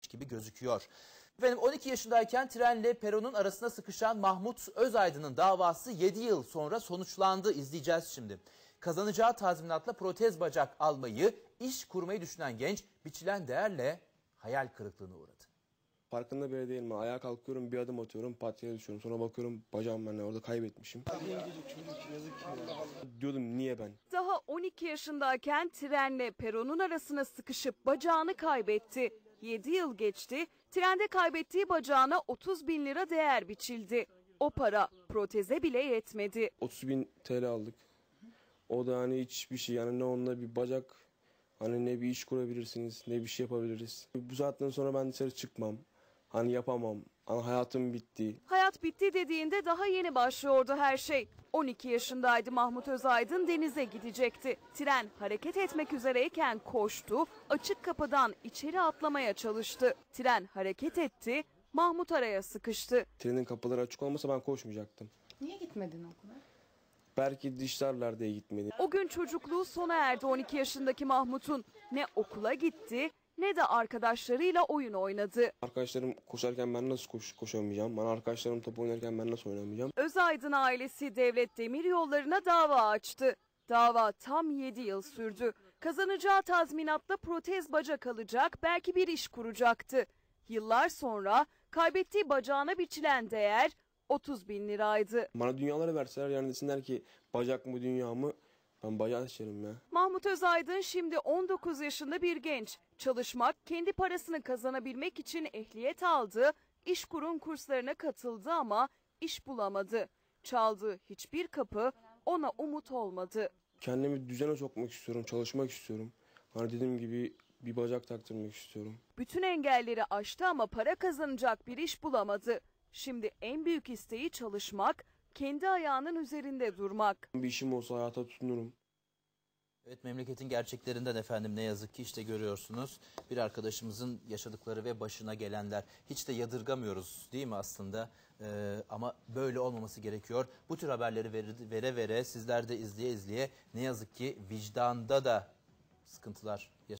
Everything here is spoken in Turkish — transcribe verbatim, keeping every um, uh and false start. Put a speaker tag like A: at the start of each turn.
A: gibi gözüküyor. Efendim on iki yaşındayken trenle peronun arasına sıkışan Mahmut Özaydın'ın davası yedi yıl sonra sonuçlandı. İzleyeceğiz şimdi. Kazanacağı tazminatla protez bacak almayı, iş kurmayı düşünen genç biçilen değerle hayal kırıklığına uğradı.
B: Farkında bile değilim. Ayağa kalkıyorum, bir adım atıyorum, pat yere düşüyorum. Sonra bakıyorum bacağım ben orada kaybetmişim. Diyordum niye ben?
C: Daha on iki yaşındayken trenle peronun arasına sıkışıp bacağını kaybetti. yedi yıl geçti, trende kaybettiği bacağına otuz bin lira değer biçildi. O para proteze bile yetmedi.
B: otuz bin T L aldık. O da hani hiçbir şey, yani ne onunla bir bacak, hani ne bir iş kurabilirsiniz, ne bir şey yapabiliriz. Bu saatten sonra ben dışarı çıkmam, hani yapamam, hani hayatım bitti.
C: Hayat bitti dediğinde daha yeni başlıyordu her şey. on iki yaşındaydı Mahmut Özaydın, denize gidecekti. Tren hareket etmek üzereyken koştu, açık kapıdan içeri atlamaya çalıştı. Tren hareket etti, Mahmut araya sıkıştı.
B: Trenin kapıları açık olmasa ben koşmayacaktım.
D: Niye gitmedin okula?
B: Belki dişlerler diye gitmedi.
C: O gün çocukluğu sona erdi on iki yaşındaki Mahmut'un. Ne okula gitti ne de arkadaşlarıyla oyun oynadı.
B: Arkadaşlarım koşarken ben nasıl koş, koşamayacağım? Bana arkadaşlarım top oynarken ben nasıl oynamayacağım?
C: Özaydın ailesi Devlet Demiryolları'na dava açtı. Dava tam yedi yıl sürdü. Kazanacağı tazminatla protez bacak alacak, belki bir iş kuracaktı. Yıllar sonra kaybettiği bacağına biçilen değer otuz bin liraydı.
B: Bana dünyaları verseler, yani desinler ki bacak mı dünya mı, ben bacağı seçerim ya.
C: Mahmut Özaydın şimdi on dokuz yaşında bir genç. Çalışmak, kendi parasını kazanabilmek için ehliyet aldı, İşkur'un kurslarına katıldı ama iş bulamadı. Çaldığı hiçbir kapı ona umut olmadı.
B: Kendimi düzene sokmak istiyorum, çalışmak istiyorum. Hani dediğim gibi bir bacak taktırmak istiyorum.
C: Bütün engelleri aştı ama para kazanacak bir iş bulamadı. Şimdi en büyük isteği çalışmak, kendi ayağının üzerinde durmak.
B: Bir işim olsa hayata tutunurum.
A: Evet, memleketin gerçeklerinden efendim ne yazık ki işte görüyorsunuz. Bir arkadaşımızın yaşadıkları ve başına gelenler. Hiç de yadırgamıyoruz değil mi aslında? Ee, ama böyle olmaması gerekiyor. Bu tür haberleri vere vere, vere sizler de izleye izleye ne yazık ki vicdanda da sıkıntılar yaşıyorsunuz.